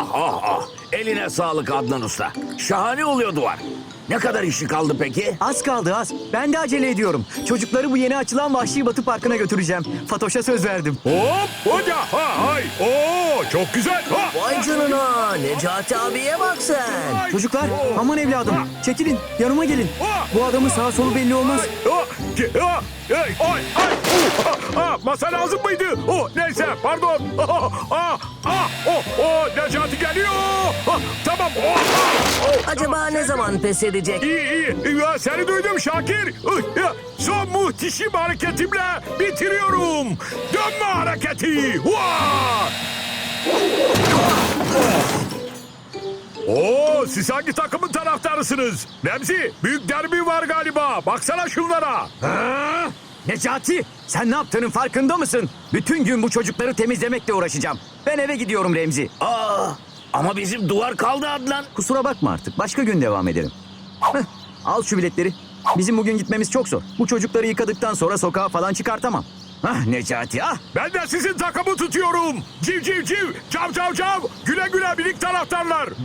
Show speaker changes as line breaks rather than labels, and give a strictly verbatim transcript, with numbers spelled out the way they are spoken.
ah ah. Eline sağlık Adnan Usta. Şahane oluyor duvar. Ne kadar işi kaldı peki?
Az kaldı az. Ben de acele ediyorum. Çocukları bu yeni açılan Vahşi Batı Parkı'na götüreceğim. Fatoş'a söz verdim.
Hop hoca ha hay. Oo çok güzel. Ha.
Vay canına, Necati abiye bak sen.
Çocuklar aman evladım. Çekilin yanıma gelin. Bu adamın sağ solu belli olmaz.
Ha, ki- ha, hey, ay, ay, uh, ha, ha, masa lazım mıydı? Oh, neyse, pardon. Ah, ah, ah, oh, oh, Necati geliyor. Ha, tamam. Oh, ah, oh,
Acaba ne zaman pes edecek?
İyi, iyi. Ya, seni duydum Şakir. Ih, ya, son muhteşem hareketimle bitiriyorum. Dönme hareketi. Vaa! Oo, siz hangi takımın taraftarısınız? Remzi, büyük derbi var galiba. Baksana şunlara.
Ha? Necati sen ne yaptığının farkında mısın? Bütün gün bu çocukları temizlemekle uğraşacağım. Ben eve gidiyorum Remzi.
Aa, ama bizim duvar kaldı Adnan.
Kusura bakma artık. Başka gün devam ederim. Heh, al şu biletleri. Bizim bugün gitmemiz çok zor. Bu çocukları yıkadıktan sonra sokağa falan çıkartamam. Ah Necati ah.
Ben de sizin takımı tutuyorum. Civ civ civ, cav cav cav. Güle güle minik taraftarlar.